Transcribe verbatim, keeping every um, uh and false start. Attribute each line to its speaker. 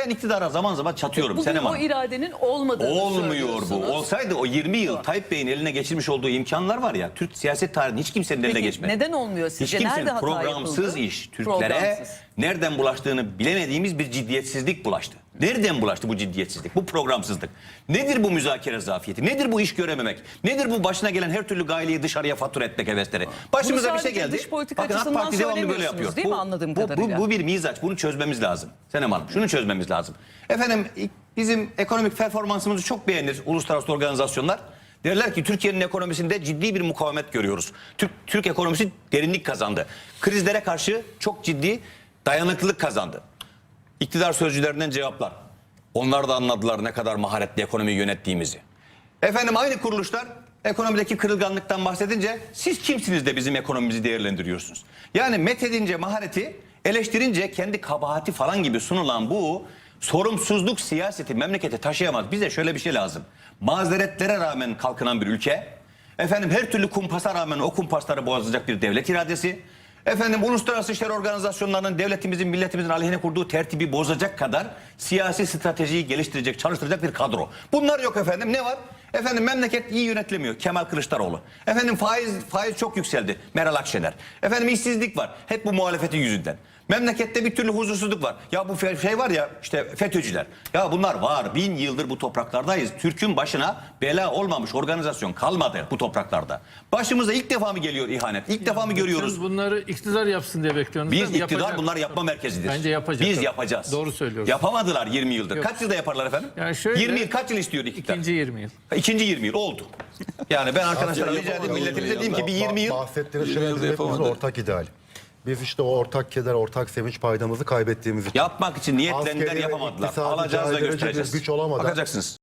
Speaker 1: Ben iktidara zaman zaman çatıyorum.
Speaker 2: Bugün
Speaker 1: Senem
Speaker 2: o
Speaker 1: Hanım.
Speaker 2: iradenin olmadığını
Speaker 1: Olmuyor bu.
Speaker 2: söylüyorsunuz.
Speaker 1: Olsaydı o yirmi yıl Tayyip Bey'in eline geçirmiş olduğu imkanlar var ya, Türk siyaset tarihinin hiç kimsenin eline
Speaker 2: Peki,
Speaker 1: geçmedi.
Speaker 2: neden olmuyor sizce?
Speaker 1: Hiç kimsenin
Speaker 2: Nerede hata
Speaker 1: programsız
Speaker 2: yapıldı?
Speaker 1: iş, Türklere
Speaker 2: Programsız.
Speaker 1: nereden bulaştığını bilemediğimiz bir ciddiyetsizlik bulaştı. Nereden bulaştı bu ciddiyetsizlik, bu programsızlık? Nedir bu müzakere zafiyeti? Nedir bu iş görememek? Nedir bu başına gelen her türlü gaileyi dışarıya fatura etmek hevesleri? Başımıza bir şey
Speaker 2: sadece
Speaker 1: geldi.
Speaker 2: dış politika
Speaker 1: Bakın AK
Speaker 2: açısından
Speaker 1: Parti devamlı böyle yapıyor.
Speaker 2: söylemiyorsunuz değil mi, anladığım
Speaker 1: bu, bu,
Speaker 2: kadarıyla?
Speaker 1: bu, bu bir mizaç. Bunu çözmemiz lazım. Senem Hanım, şunu çözmemiz lazım. Efendim bizim ekonomik performansımızı çok beğenir uluslararası organizasyonlar. Derler ki Türkiye'nin ekonomisinde ciddi bir mukavemet görüyoruz. Türk, Türk ekonomisi derinlik kazandı. Krizlere karşı çok ciddi dayanıklılık kazandı. İktidar sözcülerinden cevaplar. Onlar da anladılar ne kadar maharetli ekonomiyi yönettiğimizi. Efendim aynı kuruluşlar ekonomideki kırılganlıktan bahsedince siz kimsiniz de bizim ekonomimizi değerlendiriyorsunuz? Yani methedince mahareti, eleştirince kendi kabahati falan gibi sunulan bu sorumsuzluk siyaseti memlekete taşıyamaz. Bize şöyle bir şey lazım. Mazeretlere rağmen kalkınan bir ülke, efendim her türlü kumpasa rağmen o kumpasları bozacak bir devlet iradesi, efendim uluslararası işler organizasyonlarının devletimizin, milletimizin aleyhine kurduğu tertibi bozacak kadar siyasi stratejiyi geliştirecek, çalıştıracak bir kadro. Bunlar yok efendim. Ne var? Efendim memleket iyi yönetilemiyor. Kemal Kılıçdaroğlu. Efendim faiz faiz çok yükseldi. Meral Akşener. Efendim işsizlik var. Hep bu muhalefetin yüzünden. Memlekette bir türlü huzursuzluk var. Ya bu şey var ya işte FETÖ'cüler. Ya bunlar var. Bin yıldır bu topraklardayız. Türk'ün başına bela olmamış organizasyon kalmadı bu topraklarda. Başımıza ilk defa mı geliyor ihanet? İlk defa mı görüyoruz?
Speaker 3: Siz bunları iktidar yapsın diye bekliyorsunuz.
Speaker 1: Biz
Speaker 3: değil mi?
Speaker 1: iktidar
Speaker 3: Yapacak.
Speaker 1: bunları yapma merkezidir.
Speaker 3: Bence yapacak.
Speaker 1: Biz yapacağız.
Speaker 3: Doğru söylüyorsun.
Speaker 1: Yapamadılar yirmi yıldır.
Speaker 3: Yok.
Speaker 1: Kaç yılda yaparlar efendim?
Speaker 3: Yani şöyle-
Speaker 1: yirmi yıl kaç yıl istiyor iktidar?
Speaker 3: İkinci yirmi yıl.
Speaker 1: İkinci yirmi yıl oldu. Yani ben arkadaşlara rica edeyim milletimize diyeyim ki bir yirmi yıl.
Speaker 4: Bahsettiğiniz şey bizim hepimizin ortak ideal. Biz işte o ortak keder, ortak sevinç paydamızı kaybettiğimiz için.
Speaker 1: Yapmak için niyetlendiler
Speaker 4: Askeri ve
Speaker 1: yapamadılar.
Speaker 4: iktisadi
Speaker 1: Alacağız da
Speaker 4: caydırıcı bir
Speaker 1: göstereceğiz.
Speaker 4: güç olamadan-
Speaker 1: Bakacaksınız.